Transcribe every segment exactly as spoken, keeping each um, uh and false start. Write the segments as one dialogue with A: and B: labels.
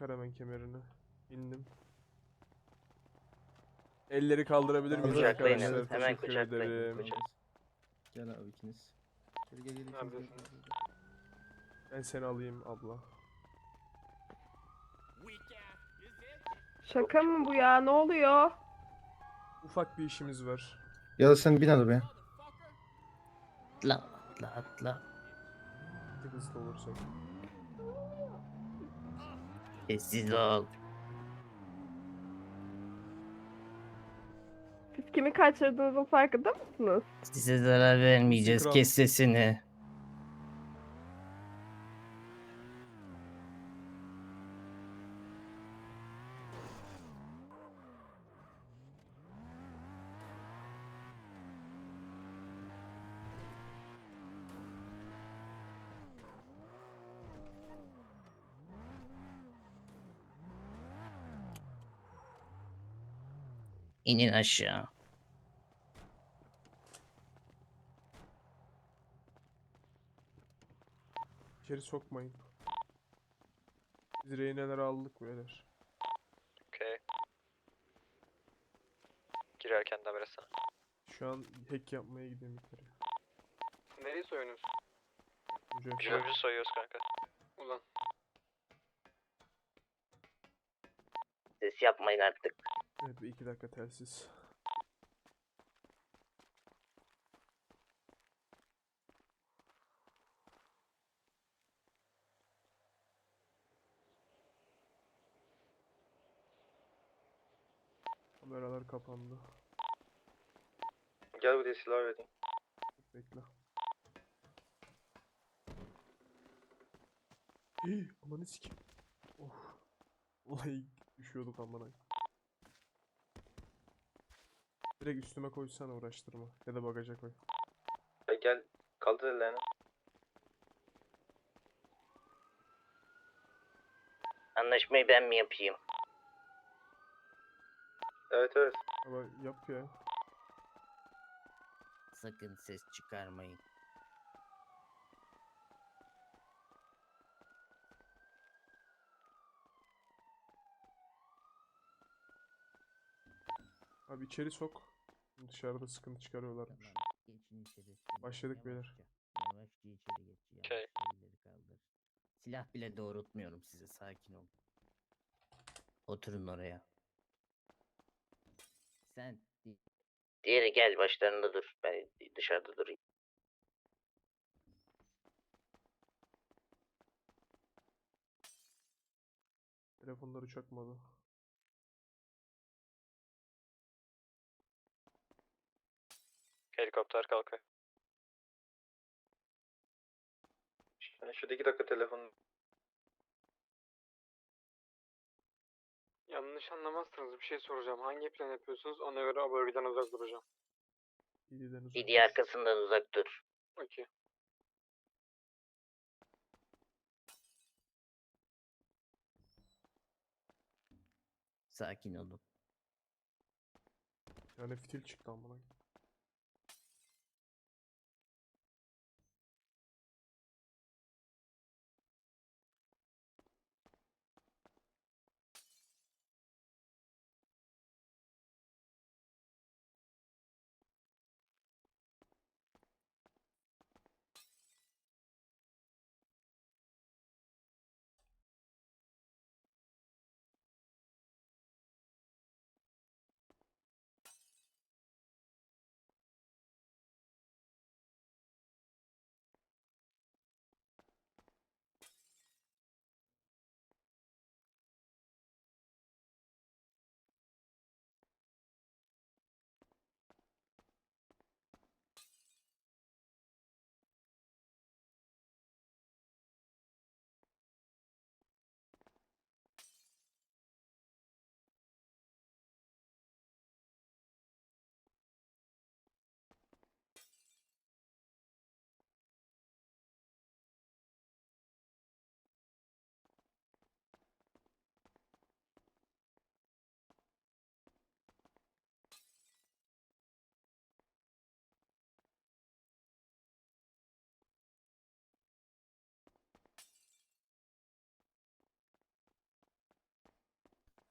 A: Çıkar hemen kemerini. İndim. Elleri kaldırabilir miyiz
B: Kaldır.
C: Kucaklayın
A: arkadaşlar?
C: hemen, hemen
A: Teşekkür
C: kucaklayın.
A: ederim.
C: Kucak.
B: Gel abi ikiniz. Gel gel gel ikiniz. Gel,
D: Neredesiniz?
B: gel, gel.
A: Ben seni alayım abla.
E: Şaka mı bu ya? Ne oluyor?
A: Ufak bir işimiz var.
B: Ya da sen bin arabaya.
C: Atla atla atla.
A: Bir tık hızlı olursak.
C: Sessiz ol.
E: Siz kimi kaçırdığınızın farkında mısınız?
C: Size zarar vermeyeceğiz.
A: Kral.
C: Kes sesini. İnin aşağı.
A: İçeri sokmayın. Biz rehineleri aldık beyler.
D: Okey. Girerken de haber etsene.
A: Şu an hack yapmaya gidiyorum yukarı.
D: Nereyi soyuyorsunuz?
A: Mücahit.
D: Jölcü soyuyoruz kanka. Ulan.
C: Ses yapmayın artık.
A: Evet bir iki dakika telsiz. Kameralar kapandı.
D: Gel buraya silah vereyim.
A: Bekle. Hii, amanı sikeyim. Of. Vallahi düşüyorduk amına. Direkt üstüme koysana, uğraştırma. Ya da bagaja koy.
D: Gel, gel. Kaldır ellerini.
C: Anlaşmayı ben mi yapayım?
D: Evet evet.
A: Ama yap ya.
C: Sakın ses çıkarmayın.
A: Abi içeri sok. Dışarıda sıkıntı çıkarıyorlarmış.
C: Geçin içeri.
A: Başladık
C: Yavaşça,
A: beyler.
C: Yavaşça içeri geç.
D: Okey.
C: Yavaşça elleri kaldır. Silah bile doğrultmuyorum size. Sakin olun. Oturun oraya. Sen diğeri gel başlarında dur. Ben dışarıda durayım.
A: Telefonları çakmadı.
D: Helikopter kalkıyor. Yani şurada iki dakika telefon. Yanlış anlamazsınız, bir şey soracağım. Hangi plan yapıyorsunuz? Ona göre o bölgeden uzak duracağım.
A: İyiden uzak.
C: Didi arkasından uzak dur.
D: Okey.
C: Sakin olun.
A: Yani fitil çıktı amına.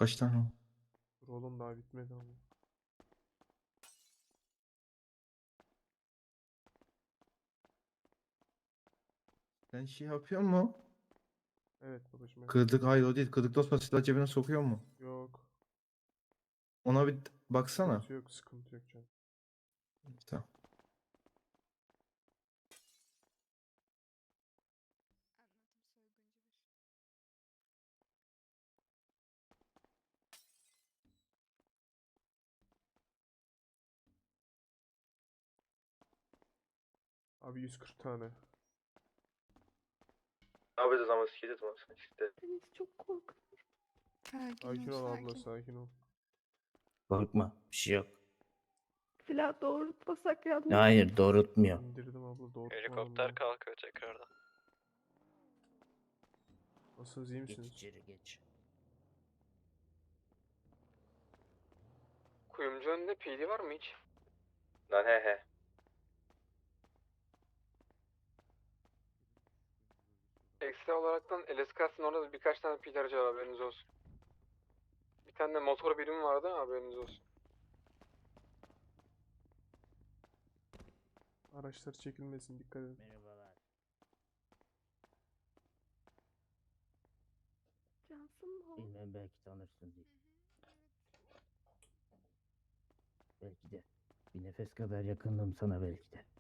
B: Kaç tane o?
A: Dur oğlum daha bitmedi ama.
B: Sen şey yapıyor mu?
A: Evet babacım evet.
B: Kırdık, hayır o değil. Kırdık dostlar silah cebine sokuyor mu?
A: Yok.
B: Ona bir baksana.
A: Sıkıntı yok sıkıntı yok canım.
B: Tamam.
A: Abi yüz kırk tane.
B: Ne yapacağız ama sikeceğiz ama işte.
E: Deniz çok korkuyorum.
F: Sakin,
A: Sakin
F: ol,
A: ol abla
F: sakin.
A: sakin ol.
C: Korkma. Bir şey yok.
E: Silah doğrultmasak yalnız.
C: Hayır doğrultmuyor.
A: İndirdim abla doğrultma
D: Helikopter
A: abla.
D: kalkıyor tekrardan.
A: Nasılsınız iyi
C: Geç
A: misiniz?
C: içeri geç.
D: Kuyumcu önünde P D var mı hiç?
B: Lan he he.
D: Ekstra olaraktan L S K'sın orada da birkaç tane P D aracı var haberiniz olsun. Bir tane de motor birimi vardı haberiniz olsun.
A: Araçlar çekilmesin dikkat edin.
C: Merhabalar.
E: Cansın mı o?
C: Bilmem belki tanırsın diye. Belki de. Bir nefes kadar yakındım sana belki de.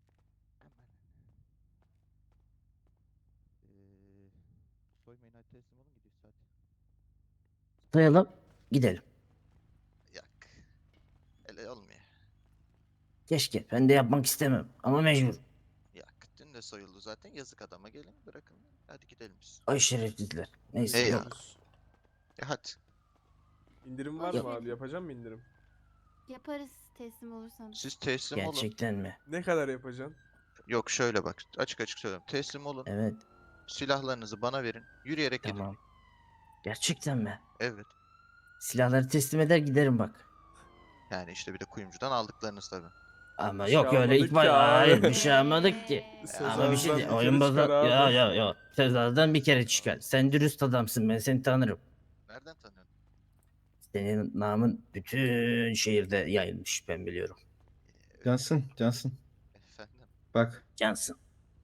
G: Soymayın hadi teslim olun gidiyoruz hadi.
C: Sayalım. Gidelim.
G: Yak. Öyle olmuyor.
C: Keşke. Ben de yapmak istemem. Ama mecbur.
G: Yak. Dün de soyuldu zaten. Yazık adama gelin bırakın. Hadi gidelim biz.
C: Ay şerefsizler. Neyse.
G: Hey ya.
C: yok.
G: Ya hadi.
A: İndirim var
C: Yok.
A: mı abi yapacağım mı indirim?
F: Yaparız teslim olursanız.
G: Siz teslim olun.
C: Gerçekten mi?
A: Ne kadar yapacaksın?
G: Yok şöyle bak. Açık açık söylüyorum. Teslim olun.
C: Evet.
G: Silahlarınızı bana verin. Yürüyerek gidin.
C: Tamam. Gerçekten mi?
G: Evet.
C: Silahları teslim eder giderim bak.
G: Yani işte bir de kuyumcudan aldıklarınız tabi.
C: Ama
A: Bir şey
C: yok öyle
A: almadık
C: ilk baş...
A: ki abi.
C: Hayır bir şey almadık ki. Ama bir şey
A: Sezar'dan
C: değil.
A: bir
C: Oyun
A: kere
C: bozar.
A: çıkar
C: Ya
A: abi.
C: ya ya. Sezar'dan bir kere çıkar. Sen dürüst adamsın. Ben seni tanırım.
G: Nereden tanıyorsun?
C: Senin namın bütün şehirde yayılmış. Ben biliyorum.
B: Cansın, Cansın.
G: Efendim.
B: Bak.
C: Cansın.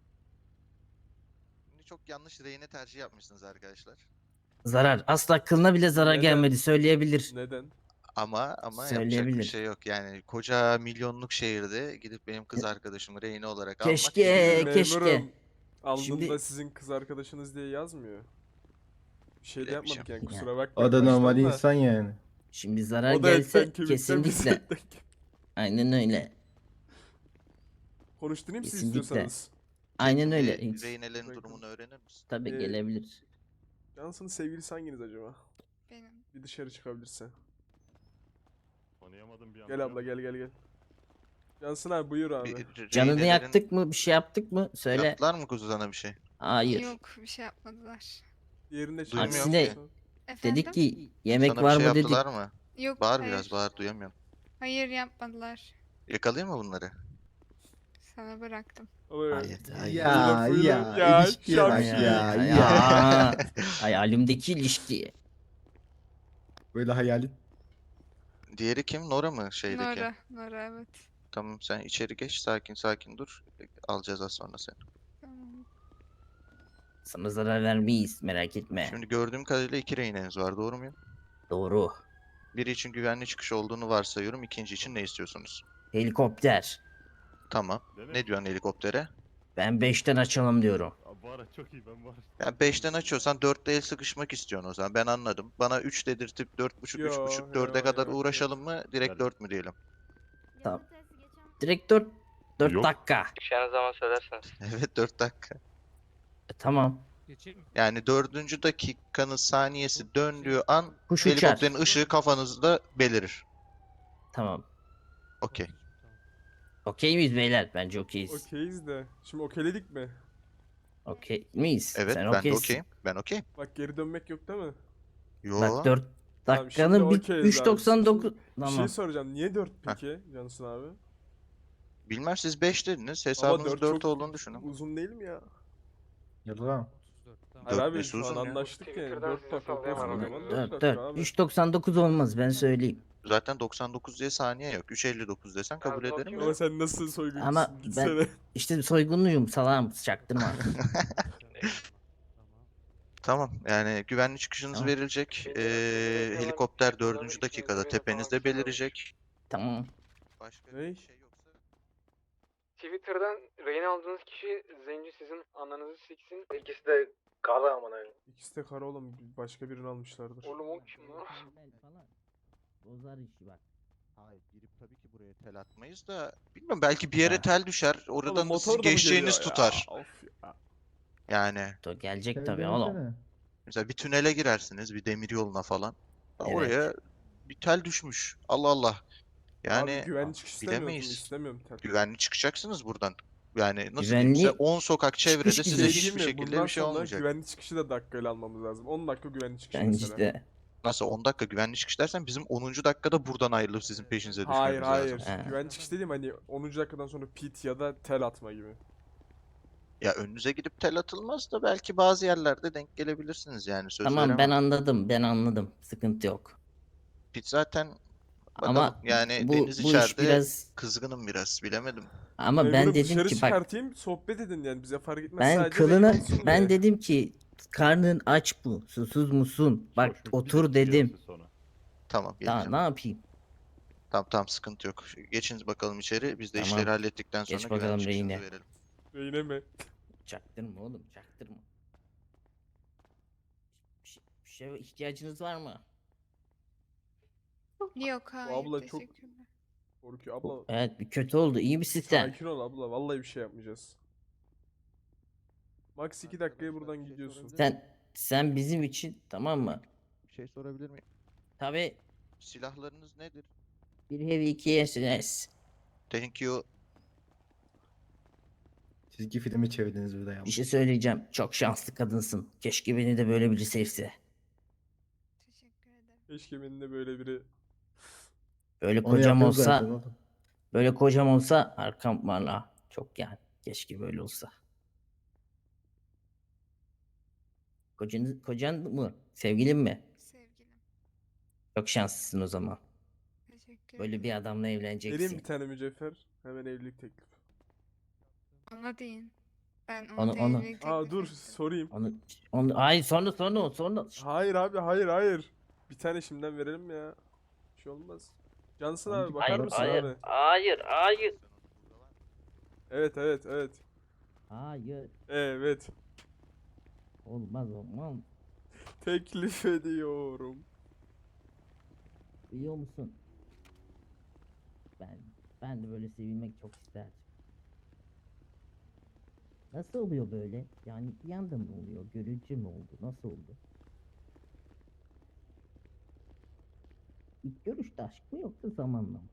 G: Şimdi çok yanlış rehine tercih yapmışsınız arkadaşlar.
C: Zarar. Asla kılına bile zarar
A: Neden?
C: gelmedi. Söyleyebilir.
A: Neden?
G: Ama ama yapacak bir
C: Söyleyebilir.
G: şey yok. Yani koca milyonluk şehirde gidip benim kız arkadaşımı rehine olarak almak
C: Keşke,
G: bilmiyorum.
C: keşke.
A: Memurum, aldığında
C: Şimdi-
A: sizin kız arkadaşınız diye yazmıyor. Bir şey de
G: Öyle bir şey
A: yapmadık yani
C: yok.
A: kusura bakmayın.
B: O da normal
A: baştan da.
B: insan yani.
C: Şimdi zarar
A: O da etten
C: gelse
A: kemikten biz
C: kesinlikle.
A: etten kemik.
C: Aynen öyle.
A: Konuşturayım siz
C: Kesinlikle.
A: istiyorsanız.
C: Aynen öyle.
G: Re-
C: Hiç-
G: Rehinelerin
A: Bırakın.
G: durumunu öğrenir misin?
C: Tabii
A: Ee,
C: gelebilir.
A: Cansın'ın sevgilisi hanginiz acaba?
F: Benim.
A: Bir dışarı çıkabilirse.
H: Tanıyamadım bir anda.
A: Gel abla gel gel gel. Cansın abi buyur abi.
G: Bir- re-
C: Canını
G: rehinelerin-
C: yaktık mı? Bir şey yaptık mı? Söyle.
G: Yaptılar mı kuzu sana bir şey?
C: Hayır.
F: Yok bir şey yapmadılar.
A: Diğerinde şey
G: Duymuyorum
C: Aksine-
A: yapıyorsa-
F: Efendim?
C: Dedik ki yemek
G: Sana
C: var
G: bir şey
C: mı dedik.
G: yaptılar mı?
F: Yok
G: Bağır
F: hayır.
G: biraz bağır duyamıyorum.
F: Hayır yapmadılar.
G: Yakalayayım mı bunları?
F: Sana bıraktım.
A: Ama
C: Hayır, hayır.
B: Ya
A: Buyurun,
B: ya,
A: ya,
B: ilişkiye bak
A: şak-
B: ya,
C: Ay,
B: ya.
C: Aa, hayalimdeki ilişki.
B: Böyle hayalin.
G: Diğeri kim? Nora mı şeydeki?
F: Nora. Nora evet.
G: Tamam sen içeri geç sakin sakin dur. Alacağız az sonra seni.
F: Tamam.
C: Sana zarar vermeyiz merak etme.
G: Şimdi gördüğüm kadarıyla iki rehineniz var doğru muyum?
C: Doğru.
G: Biri için güvenli çıkış olduğunu varsayıyorum. İkinci için ne istiyorsunuz?
C: Helikopter.
G: Tamam.
H: Dene.
G: Ne diyorsun helikoptere?
C: Ben beşten açalım diyorum.
H: Abi bu ara çok iyi ben var.
G: Ya beşten açıyorsan dörtte el sıkışmak istiyorsun o zaman. Ben anladım. Bana üç dedirtip dört buçuk, üç
A: Yo,
G: buçuk,
A: yo,
G: dörde kadar
A: yo, yo.
G: uğraşalım mı? Direkt
H: Hadi.
G: dört mü diyelim?
C: Tamam. Direkt dört, dört
H: Yok.
C: dakika.
D: Çıkacağınız zaman söylerseniz.
G: Evet dört dakika.
C: E, tamam.
G: Yani dördüncü dakikanın saniyesi döndüğü an
C: Kuş uçar.
G: helikopterin ışığı kafanızda belirir.
C: Tamam.
G: Okey.
C: Okey miyiz beyler? Bence okeyiz.
A: Okeyiz de. Şimdi okeyledik mi?
C: Okey miyiz?
G: Evet
C: Sen
G: ben de
C: okeysin.
G: okeyim. Ben okeyim.
A: Bak geri dönmek yok değil mi?
G: Yo.
C: Bak dört
A: Tamam,
C: dakikanın
A: şimdi
C: bir
A: okeyiz
C: üç
A: abi.
C: doksan dokuz.
A: Bir
C: Tamam.
A: şey soracağım. Niye dört peki Cansın abi?
G: Bilmem siz beş dediniz.
A: Ama
G: Hesabınız
A: dört
G: dört
A: çok
G: olduğunu düşünün.
A: uzun değil mi ya?
B: Yalan.
A: Hayır
G: Dört
A: abi
G: nesi
A: şu an
G: uzun ya.
A: anlaştık yani.
D: Twitter'dan
A: dört
D: size
A: dakika
D: sallayamam
A: olsun o
D: abi.
A: zaman dört
C: Dört
A: dakika
C: dört.
A: abi.
C: üç doksan dokuz olmaz ben söyleyeyim.
G: Zaten doksan dokuz diye saniye yok. üç elli dokuz desen kabul
D: Gazlı
G: ederim de.
A: Ama sen nasıl
C: Ama
A: soyguncusun
C: ben
A: gitsene.
C: işte soygunluyum salağım çaktırma.
G: Tamam yani güvenli çıkışınız
C: Tamam.
G: verilecek.
D: Beni
G: Ee,
D: bekleyenler
G: helikopter
D: Twitter'dan
G: dördüncü
D: isminizi
G: dakikada
D: verin falan
G: tepenizde
D: bir şeyler
G: belirecek.
C: Tamam.
G: Başka
A: Ney?
G: bir şey yoksa.
D: Twitter'dan rehin aldığınız kişi zenci sizin ananızı siksin.
B: İkisi de kara amına.
A: İkisi de kara oğlum. Başka birini almışlardır.
D: Oğlum o kim lan?
C: Bozar işi bak.
G: Hayır girip tabii ki buraya tel atmayız da bilmiyorum belki bir yere
C: Ha.
G: tel düşer.
A: Oğlum
G: Oradan da
A: motor
G: sizin
A: da mı
G: geçeceğiniz
A: geliyor ya?
G: tutar.
A: Of ya.
G: Yani
C: To gelecek tabii oğlum.
G: mesela bir tünele girersiniz bir demir yoluna falan.
C: Evet.
G: Oraya bir tel düşmüş. Allah Allah. Yani
A: Abi güvenli çıkış istemiyoruz mu?
G: bilemeyiz.
A: İstemiyorum tabii.
G: güvenli çıkacaksınız buradan. Yani nasıl
C: Güvenli
G: diyeyim size on sokak çevrede
C: çıkış
G: size
C: gibi.
A: Şey
G: hiçbir
A: diyeyim mi?
G: şekilde
A: Bundan
G: bir şey
A: sonra
G: olmayacak.
A: güvenli çıkışı da dakikayla almamız lazım. on dakika güvenli çıkış
C: Bence
A: mesela.
C: de.
G: Nasıl on dakika güvenli çıkış dersen bizim onuncu dakikada buradan ayrılıp sizin peşinize düşmemiz
A: Hayır hayır.
G: lazım.
C: Ha.
A: Güvenli çıkış dediğim hani onuncu dakikadan sonra pit ya da tel atma gibi.
G: Ya önünüze gidip tel atılmaz da belki bazı yerlerde denk gelebilirsiniz yani söz
C: Tamam ben
G: veremem.
C: anladım ben anladım. Sıkıntı yok.
G: Pit zaten bakalım
C: Ama
G: yani
C: bu,
G: Deniz
C: bu iş
G: içeride
C: biraz
G: kızgınım biraz bilemedim.
C: ama ben
A: Memurum
C: dedim
A: dışarı
C: ki bak
A: çıkartayım sohbet edin yani bize fark etmez.
C: ben
A: Sadece
C: kılına
A: rehin olsun
C: ben
A: diye.
C: dedim ki karnın aç mı? Susuz musun? Bak otur dedim.
G: Tamam
C: Daha
G: geleceğim.
C: ne yapayım?
G: Tamam tamam sıkıntı yok. Geçiniz bakalım içeri. Biz de
C: Tamam.
G: işleri hallettikten sonra
C: Geç
G: güvenli
C: bakalım
G: çıkışınızı
C: rehine.
G: verelim.
A: Rehine mi?
C: Çaktırma oğlum çaktırma. Bir şey, bir şeye ihtiyacınız var mı?
F: Yok hayır
A: abla çok-
F: teşekkürler.
A: Korkuyor abla.
C: Evet bir kötü oldu. İyi misin sen?
A: Sakin ol abla. Vallahi bir şey yapmayacağız. Max iki dakikaya buradan gidiyorsun.
C: Sen sen bizim için tamam mı?
G: Bir şey sorabilir miyim?
C: Tabii
G: Silahlarınız nedir?
C: bir heavy iki S S.
G: Thank you.
B: Çizgi filmi çevirdiniz burada ya.
C: Bir şey söyleyeceğim. Çok şanslı kadınsın. Keşke beni de böyle biri sevse.
F: Teşekkür ederim.
A: Keşke benim de böyle biri.
C: Böyle
B: Onu
C: kocam
B: yapıyoruz
C: olsa,
B: zaten oğlum.
C: böyle kocam olsa arkam valla. Çok yani. Keşke böyle olsa. Kocan, kocan mı? Sevgilin mi?
F: Sevgilim.
C: Çok şanslısın o zaman.
F: Teşekkür
C: Böyle
F: ederim.
C: bir adamla
A: Vereyim
C: evleneceksin.
A: bir tane mücevher. Hemen evlilik teklifi.
F: Ona deyin. Ben
C: Onu-
F: onu,
C: onu.
F: evlilik
A: Aa
F: teklif
A: dur
F: ettim.
A: sorayım.
C: Onu, onu, hayır sonra sonra sonra.
A: Hayır abi hayır hayır. Bir tane şimdiden verelim ya. Bir şey olmaz. Cansın abi bakar
C: Hayır,
A: mısın
C: hayır,
A: abi?
C: hayır, hayır.
A: Evet evet evet.
C: Hayır.
A: Evet.
C: Olmaz olmaz.
A: Teklif ediyorum.
C: Biliyor musun? Ben ben de böyle sevilmek çok isterdim. Nasıl oluyor böyle? Yani bir anda mı oluyor? Görücü mü oldu? Nasıl oldu? İlk görüşte aşk mı yoksa zamanla mı?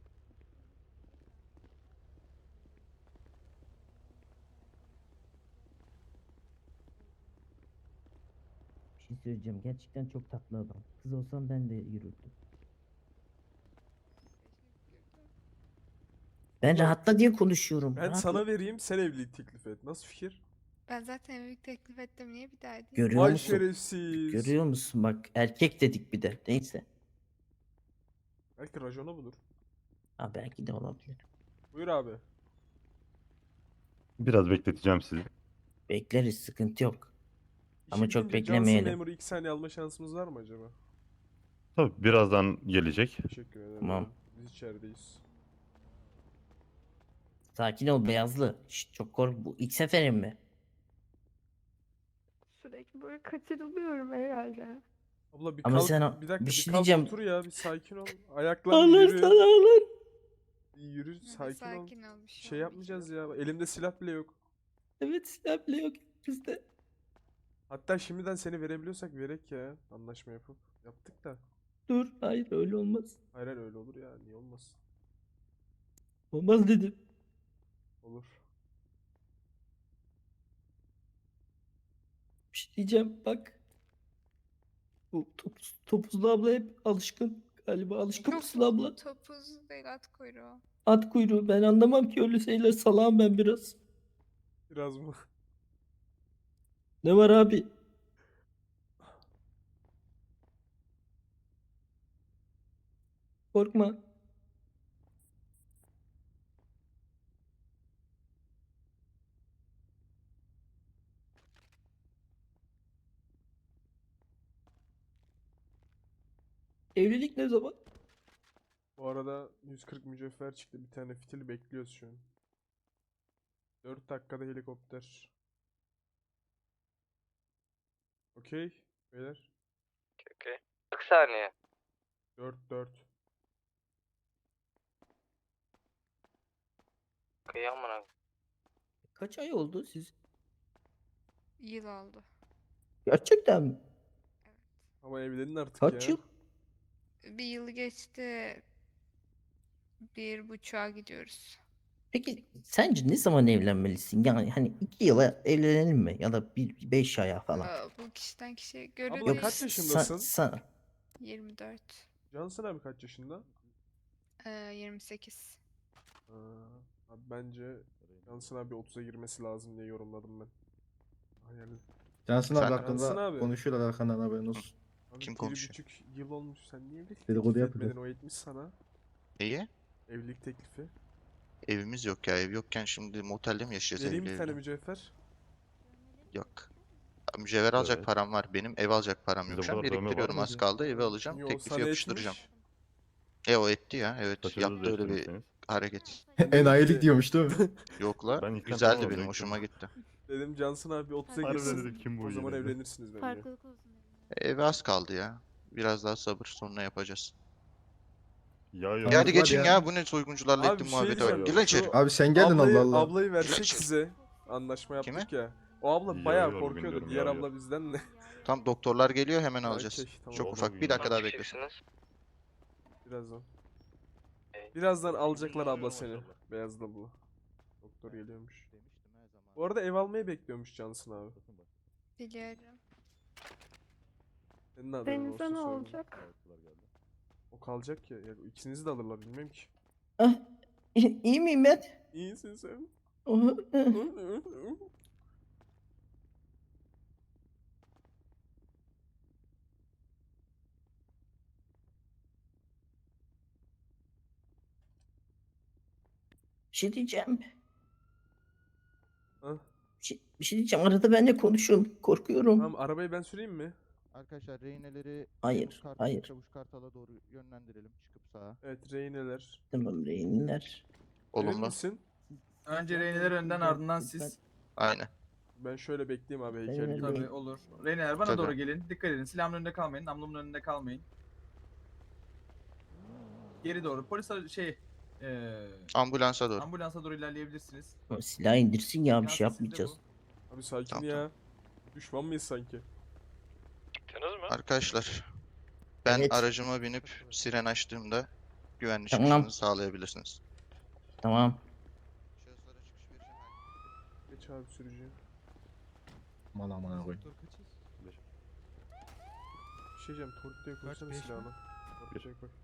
C: Bir şey söyleyeceğim. Gerçekten çok tatlı adam. Kız olsam ben de yürürdüm. Ben rahatla diye konuşuyorum.
A: Ben
C: rahatla.
A: sana vereyim sen evlilik teklif et. Nasıl fikir?
F: Ben zaten evlilik teklif ettim. Niye bir daha edeyim?
C: Görüyor
A: Vay
C: musun?
A: şerefsiz.
C: Görüyor musun? Bak erkek dedik bir de. Neyse.
A: Belki racona budur.
C: Ha belki de olabilir.
A: Buyur abi.
H: Biraz bekleteceğim sizi.
C: Bekleriz sıkıntı yok. Ama
A: İşi
C: çok
A: bitince
C: beklemeyelim.
A: Cansın memuru iki saniye alma şansımız var mı acaba?
H: Tabii birazdan gelecek.
A: Teşekkür ederim.
C: Tamam.
A: Biz içerideyiz.
C: Sakin ol Beyazlı. Şşt, çok kork. Bu ilk seferin mi?
E: Sürekli böyle kaçırılıyorum herhalde.
A: Abla bir
C: Ama
A: kalk,
C: sen o-
A: bir dakika
C: bir
A: bir,
C: şey
A: kalk
C: diyeceğim.
A: otur ya bir sakin ol. Ayaklarla
C: Ağlar
A: yürü.
C: sana ağlar.
A: Bir yürü
F: Hadi
A: sakin, ol.
F: sakin ol. Bir şey,
A: Şey yapmayacağız ya. Elimde silah bile yok.
C: Evet silah bile yok bizde.
A: Hatta şimdiden seni verebiliyorsak verek ya. Anlaşma yapıp. Yaptık da.
C: Dur hayır öyle olmaz.
A: Hayır hayır, öyle olur ya. Niye olmaz?
C: Olmaz dedim.
A: Olur.
C: Bir şey diyeceğim bak. Bu topuz, topuzlu abla hep alışkın. Galiba alışkın
F: Yok,
C: mısın abla?
F: topuz değil at kuyruğu.
C: At kuyruğu ben anlamam ki öyle şeyler salağım ben biraz.
A: Biraz mı?
C: Ne var abi? Korkma. Evlilik ne zaman?
A: Bu arada yüz kırk mücevher çıktı. Bir tane fitil bekliyoruz şu an. dört dakikada helikopter. Okey. Beyler.
D: Okey. kırk saniye.
A: dört dört.
D: Kıyamam.
C: Kaç ay oldu siz?
F: Yıl oldu.
C: Gerçekten mi?
A: Ama evlenin artık
C: Kaç
A: ya.
C: yıl?
F: Bir yıl geçti. Bir buçuğa gidiyoruz.
C: Peki sence ne zaman evlenmelisin? Yani hani iki yıla evlenelim mi? Ya da bir beş aya falan.
F: Aa, bu kişiden kişiye göre
A: Abla
F: değil.
A: kaç
C: sa-
A: yaşındasın?
C: sa-
F: yirmi dört.
A: Cansın abi kaç yaşında?
F: Ee, yirmi sekiz.
A: Aa, abi bence Cansın abi otuza girmesi lazım diye yorumladım ben. Hayal.
B: Cansın abi
G: Sen-
B: hakkında
A: Cansın abi.
B: konuşuyorlar arkandan haberin olsun.
A: Abi
G: Kim
A: bir
G: konuşuyor?
A: buçuk yıl olmuş. Sen niye evlilik
B: Dedikodu
A: teklif
B: yapıyor.
A: etmedin? O etmiş sana.
G: İyi.
A: Evlilik teklifi.
G: Evimiz yok ya. Ev yokken şimdi motelde mi yaşayacağız
A: Vereyim
G: evli
A: bir tane
G: evli?
A: mücevher.
G: Yok. Mücevher alacak
H: Evet.
G: param var. Benim ev alacak param
H: Sizde
G: yok. Şu an
H: bu kadar dövme var
G: biriktiriyorum, az
H: mıydı?
G: kaldı. Evi alacağım.
A: Yo,
G: Teklifi
A: sana
G: yapıştıracağım.
A: etmiş.
G: E o etti ya. Evet.
H: Saçınızı
G: Yaptı öyle bir
H: değiştirmişsiniz.
G: hareket.
B: Enayilik diyormuş değil mi?
G: Yok la.
H: Ben ilk
G: Güzeldi
H: tanımadım,
G: benim.
H: ilk
G: Hoşuma
H: defa.
G: gitti.
A: Dedim Cansın abi otuza
H: Harbiden
A: girsin.
H: dedim, kim bu
A: O zaman
H: yine de?
A: evlenirsiniz bence.
E: Farklılık olsun.
G: Evi az kaldı ya. Biraz daha sabır, sonra yapacağız.
H: Ya
B: Tamam,
H: yok.
G: Ya hadi
B: hadi
G: geçin
B: ya.
G: ya. Bu ne soyguncularla
A: Abi
G: ettim
A: bir şey
G: muhabbete
A: diyeceğim.
G: bak. Gelin içeri.
A: Şu
B: Abi sen geldin
A: ablayı,
B: Allah Allah.
A: ablayı versek
G: Geç.
A: size. Anlaşma
G: Kime?
A: yaptık ya. O abla
H: Yo,
A: bayağı
H: yo,
A: korkuyordu.
H: bilmiyorum,
A: Diğer
H: yo,
A: abla
H: yo.
A: bizden de.
G: Tam doktorlar geliyor, hemen
A: Ha,
G: alacağız.
A: okey, tamam.
G: Çok
H: Olur,
G: ufak. Bir
H: bilmiyorum.
G: dakika daha beklesin.
A: Birazdan. Birazdan alacaklar abla seni. Beyazlı abla. Doktor geliyormuş. Bu arada ev almayı bekliyormuş Cansın abi.
F: Biliyorum.
A: Senin de haberin
E: Denizde
A: olsun
E: ne
A: sonra.
E: olacak?
A: O kalacak ya. ya. İkinizi de alırlar bilmem ki.
C: Ah, iyi miyim ben?
A: İyisin sen.
C: Oh, eh. Bir şey diyeceğim.
A: Hah.
C: Bir şey, bir şey diyeceğim. Arada benimle konuşun. Korkuyorum.
A: Tamam arabayı ben süreyim mi?
G: Arkadaşlar reyneleri
C: Hayır,
G: Çavuş Kart-
C: hayır.
G: Çavuş Kartal'a doğru yönlendirelim. Çıkıp sağa.
A: Evet reyneler.
C: Tamam rehinler.
A: Emin
G: Olumlu.
A: misin?
I: Önce Reyneler önden ardından siz.
G: Aynen.
A: Ben şöyle bekleyeyim abi heykel
C: Reyneler-
A: gibi.
I: Tabii olur. Reyneler bana
G: Tabii.
I: doğru gelin. Dikkat edin. Silahımın önünde kalmayın. Namlumun önünde kalmayın. Geri doğru. Polis ara- şey eee
G: Ambulansa doğru.
I: ambulansa doğru ilerleyebilirsiniz.
C: O silah indirsin ya bir
I: Yan
C: şey
I: sesi de
C: yapmayacağız.
A: Abi sakin
G: Tamam,
A: ya. Düşman mıyız sanki?
G: Arkadaşlar, ben
C: Evet.
G: aracıma binip siren açtığımda güvenli
C: Tamam.
G: çıkışınızı sağlayabilirsiniz.
C: Tamam.
G: Şahıslara çıkış vereceğim.
A: Geç abi sürücüye.
B: Aman amına koyayım.
A: Bir şey diyeceğim. Torpidoya koysana silahını. Yapacak bak.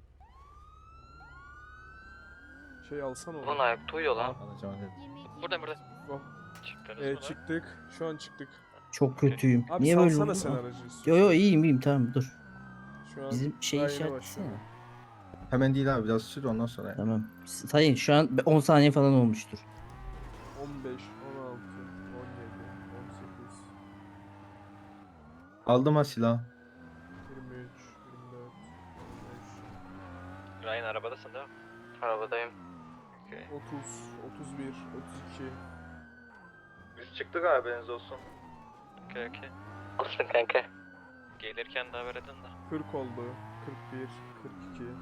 A: Şey alsana onu.
D: ayakta uyuyor lan.
B: Alacağım dedim.
F: Burada burada.
A: Oh. Evet çıktık. Şu an çıktık.
C: Çok kötüyüm.
A: Abi
C: Niye böyle
A: salsana
C: oldu?
A: sen
C: Ah.
A: aracı.
C: Yo yo iyiyim iyiyim tamam dur.
A: Şu an
C: Bizim şey
A: daha yeni
C: işaretlesene.
A: başlıyor.
B: Hemen değil abi biraz sür ondan sonra.
C: Tamam. Sayın şu an on saniye falan olmuştur.
A: on beş, on altı, on yedi, on sekiz,
B: Aldım ha silahı.
A: yirmi üç, yirmi dört, yirmi
D: Ryan arabadasın değil mi? Arabadayım.
A: beş, otuz, otuz bir, otuz iki.
B: Biz çıktık abi haberiniz olsun.
D: Okey okey. Olsun kanka. Gelirken de haber edin de.
A: kırk oldu. kırk bir, kırk iki.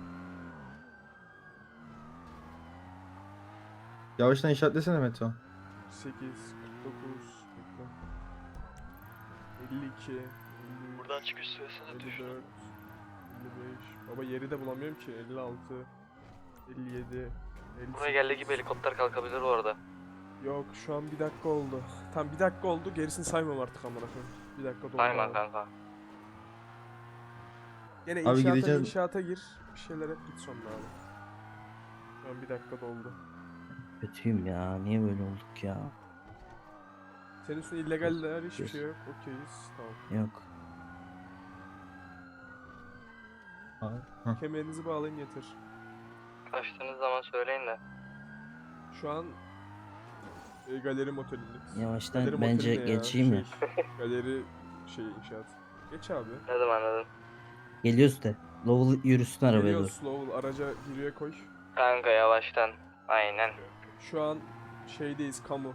B: Yavaştan işaretlesene Meto.
A: kırk sekiz, kırk dokuz, bekle. elli iki, elli üç,
D: Buradan çıkış süresini
A: elli
D: düşün.
A: dört, elli beş. Baba yeri de bulamıyorum ki. elli altı, elli yedi, elli
D: Buraya geldiği
A: sekiz.
D: gibi helikopter kalkabilir bu arada.
A: Yok şu an bir dakika oldu. Tam bir dakika oldu. Gerisini saymam artık amına koyayım. Bir dakika doldu.
D: Sayma
A: abi.
D: kanka.
A: Gene
B: Abi
A: inşaata,
B: gideceğiz.
A: inşaata gir. Bir şeyler yap git sonra abi. Şu an bir dakika doldu.
C: Kötüyüm ya. Niye böyle olduk ya?
A: Senin üstünde illegaller hiçbir
C: Yes.
A: şey yok. Okeyiz. Tamam.
C: Yok.
B: Abi. Hah.
A: Kemerinizi bağlayın yeter.
D: Açtığınız zaman söyleyin de.
A: Şu an e, galeri motelindeyiz.
C: Yavaştan
A: Galeri
C: bence
A: moteli ne ya?
C: geçeyim ya.
A: Şey, galeri şey inşaat. Geç abi.
D: Anladım anladım.
C: Geliyoruz de. Lowell yürüsün arabaya
A: Geliyor
C: doğru.
A: slow araca giriye koy.
D: Kanka yavaştan. Aynen.
A: Şu an şeydeyiz kamu.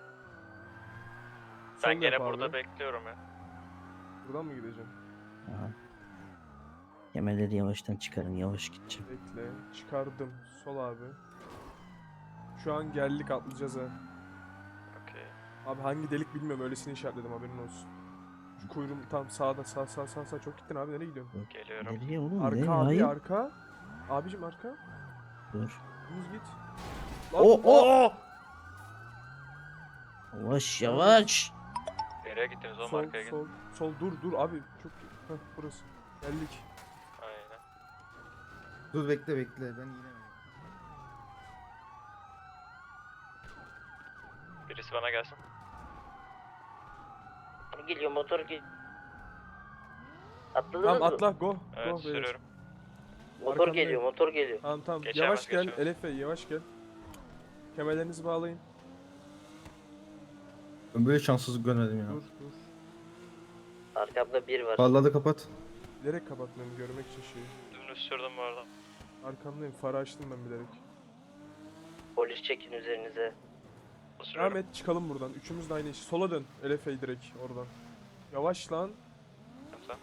H: Ben
A: Sol
H: gene
A: yap
H: burada
A: abi.
H: bekliyorum ya.
A: Buradan mı gideceğim?
C: Aha. Kemerleri yavaştan çıkarın. Yavaş gideceğim.
A: Bekle. Çıkardım. Sol abi. Şu an geldik atlayacağız ha.
H: Okey.
A: Abi hangi delik bilmiyorum öylesini işaretledim haberin olsun. Şu kuyruğum tam sağda sağ sağ sağ sağ çok gittin abi nereye gidiyorsun?
H: Geliyorum.
C: Nereye oğlum?
A: Arka
C: Nereye?
A: abi
C: Hayır.
A: arka. Abicim arka.
C: Dur.
A: Düz git.
C: O o. Yavaş yavaş.
H: Nereye gittiniz oğlum
A: Sol
H: arkaya gidin.
A: sol sol dur dur abi çok heh, burası. Geldik.
H: Aynen.
B: Dur bekle bekle ben yine.
H: Birisi bana gelsin.
C: Geliyor motor gel. Atladınız
A: Tamam
C: mı?
A: atla go.
H: Evet
A: go beyler.
H: sürüyorum.
C: Motor
A: Arkamdayım.
C: geliyor motor geliyor.
A: Tamam tamam
H: Geçemez,
A: yavaş gel
H: geçemez.
A: Elefe yavaş gel. Kemerlerinizi bağlayın.
B: Ben böyle şanssızlık görmedim ya.
A: Dur dur.
C: Arkamda bir var.
B: Farları kapat.
A: Bilerek kapatmıyorum görmek için şeyi.
H: Dümdüz sürdüm bu arada.
A: Arkamdayım farı açtım ben bilerek.
C: Polis çekin üzerinize.
H: Sürüyorum.
A: Devam et çıkalım buradan. Üçümüz de aynı iş. Sola dön. Elefe'yi direkt oradan. Yavaş lan.
H: Tamam.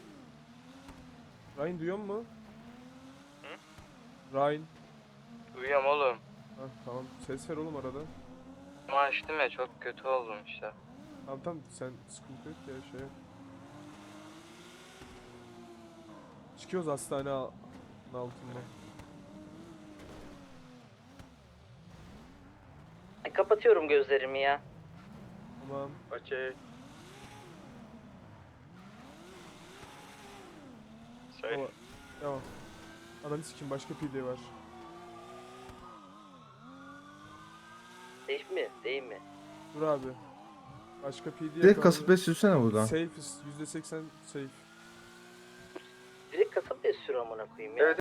A: Ryan duyuyor mu?
H: Hı?
A: Ryan.
D: Duyuyorum oğlum.
A: Hah tamam. Ses ver oğlum arada.
D: Ama açtım ya çok kötü oldum işte.
A: Tamam tamam sen sıkıntı yok ya şey yap. Çıkıyoruz hastane al- altından.
C: Kapatıyorum gözlerimi ya.
A: Tamam.
H: Okey. Söyle.
A: Tamam. Tamam. Ananı sikeyim başka P D var.
C: Değil mi? Değil mi?
A: Dur abi. Başka P D
B: Direkt kasıp beş sürsene buradan.
A: Safe'iz. yüzde seksen safe.
C: Direkt kasap sür amına koyayım ya.